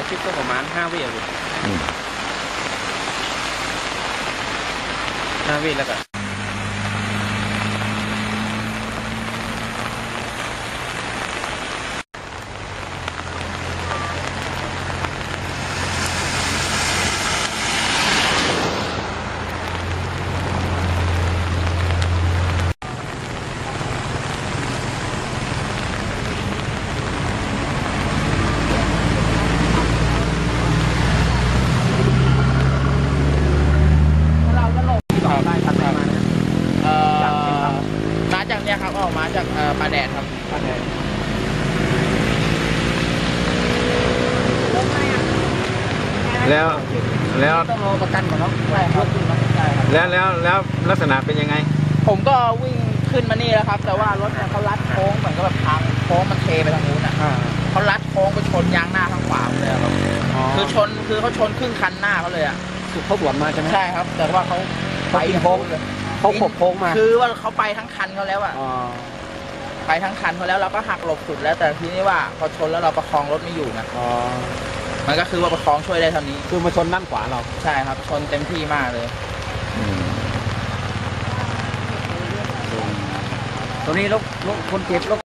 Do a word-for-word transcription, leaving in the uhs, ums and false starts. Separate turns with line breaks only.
คลิปก็ประมาณห้าวิเลยห้าวิแล้วก็
มาจากเนี่ยครับออกมาจากปลาแดดครับปลาแดด
แล้วแล้ว
ต้องรอประกันก่อนเนาะใช่ครับ
แล้วแล้วแล้วลักษณะเป็นยังไง
ผมก็วิ่งขึ้นมานี่แล้วครับแต่ว่ารถเนี่ยเขาลัดโค้งเหมือนกับแบบทางโค้งมันเทไปทางนู้นอ่ะเขาลัดโค้งไปชนยางหน้าข้างขวาเลยครับคือชนคือเขาชนครึ่งคันหน้าเขาเลยอ่ะ
เขาสวนมาใช่ไหม
ใช่ครับแต่ว่าเขาไปโค้งเลย
เขาขบโค้งมา
คือว่าเขาไปทั้งคันเขาแล้วอ่ะไปทั้งคันเขาแล้วเราก็หักหลบสุดแล้วแต่ทีนี้ว่าพอชนแล้วเราประคองรถไม่อยู่นะมันก็คือว่าประคองช่วยได้เท่านี้
คือมาชนด้านขวาเรา
ใช่ครับชนเต็มที่มากเลย
ตรงนี้รถรถคนเจ็บรถ